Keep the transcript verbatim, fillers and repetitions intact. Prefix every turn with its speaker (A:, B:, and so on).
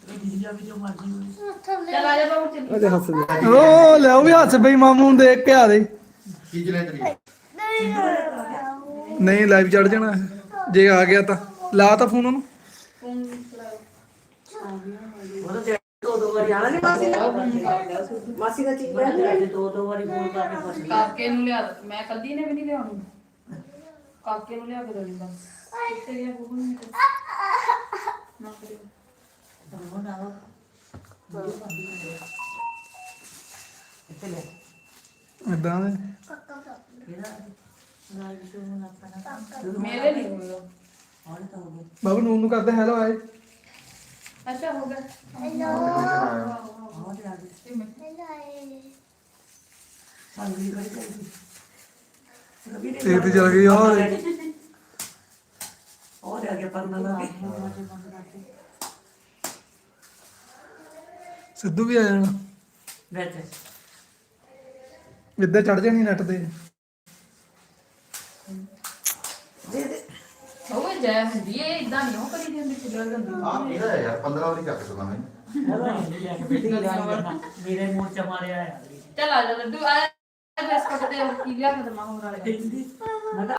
A: ਚੱਲ ਆ ਜਾ ਬਾਬੂ ਚੱਲ
B: ਅਜੇ ਹੱਸਦੇ ਓ ਲਿਆਓ ਵੀ ਹੱਸ ਬਈ ਮਾਮੂ ਨੂੰ ਦੇਖ ਕੇ ਆ ਦੇ
C: ਕੀ ਚਲੇ ਤੇਰੀ
B: ਨਹੀਂ ਲਾਈਵ ਚੜ ਜਾਣਾ ਜੇ ਆ ਗਿਆ ਤਾਂ ਲਾ ਤਾਂ ਫੋਨ ਉਹਨੂੰ
A: ਫੋਨ
D: ਦੋ ਦੋ ਵਾਰੀ ਆਣਾ ਨਹੀਂ ਮਾਸੀ ਦਾ ਮਾਸੀ ਦਾ ਚੀਜ਼ ਲੈ ਦੋ ਦੋ ਵਾਰੀ ਫੋਨ ਕਰਕੇ ਫਸ ਗਈ
A: ਕਾਕੇ ਨੂੰ ਲਿਆ ਦੇ। ਮੈਂ ਕੱਲੀ ਨੇ ਵੀ ਨਹੀਂ ਲਿਆਉਣੀ ਕਾਕੇ ਨੂੰ ਲਿਆ ਕੇ ਦੇਣੀ ਬਸ ਕਿੱਥੇ ਗਿਆ ਬੂਬੂ ਨੂੰ ਨਾ ਕਰਿਓ
D: ਤੰਗੋ ਨਾ ਇੱਥੇ ਲੈ
B: ਇਦਾਂ ਦੇ
D: ਇਹਦਾ ਨਾਲ ਜੋ ਨਾ ਆਪਣਾ
A: ਮੇਰੇ ਨਹੀਂ ਹੋਇਆ
D: ਆਉਣ ਤਾਂ ਹੋ ਗਿਆ
B: ਬਾਬੂ ਨੂੰ ਨੂੰ ਕਰਦੇ ਹੈਲੋ ਆਏ
A: ਅੱਛਾ ਹੋ ਗਿਆ
D: ਆਉਣ ਤੇ ਆ ਗਈ ਸੰਗਲੀ ਕਰੀ ਕਰੀ
B: ਤੇ ਤੇ ਚਲ ਗਈ ਹੋਰ
D: ਉਹ ਆ ਗਿਆ ਪਰਨਾ ਲਾ ਕੇ
B: ਸਿੱਧੂ ਵੀ ਆ ਜਾਣਾ
D: ਵਿੱਚ
B: ਇੱਦਾਂ ਚੜ ਜਾਣੀ ਨੈਟ ਤੇ
D: ਦੇ ਦੇ
A: ਉਹ ਜੈ ਹੁੰਦੀ ਏ ਇਦਾਂ ਨਹੀਂ ਉਹ ਕਰੀ ਜਾਂਦੀ ਚਿੱਲਰ ਗੰਦੀ
C: ਆ ਇਹਦਾ ਹੈ ਯਾਰ ਪੰਦਰਾਂ ਵਾਰੀ ਚੱਕ ਸਕਦਾ ਮੈਂ
D: ਮੇਰੇ ਮੂੰਹ ਚ ਮਾਰਿਆ ਯਾਰ
A: ਚੱਲ ਆ ਜਾ ਲੱਡੂ ਆ ਬਿਸਕੁਟ ਤੇ ਕੀ ਲਿਆ ਕੇ ਦਮਾ ਹੋਰ ਵਾਲੇ
D: ਮੈਂ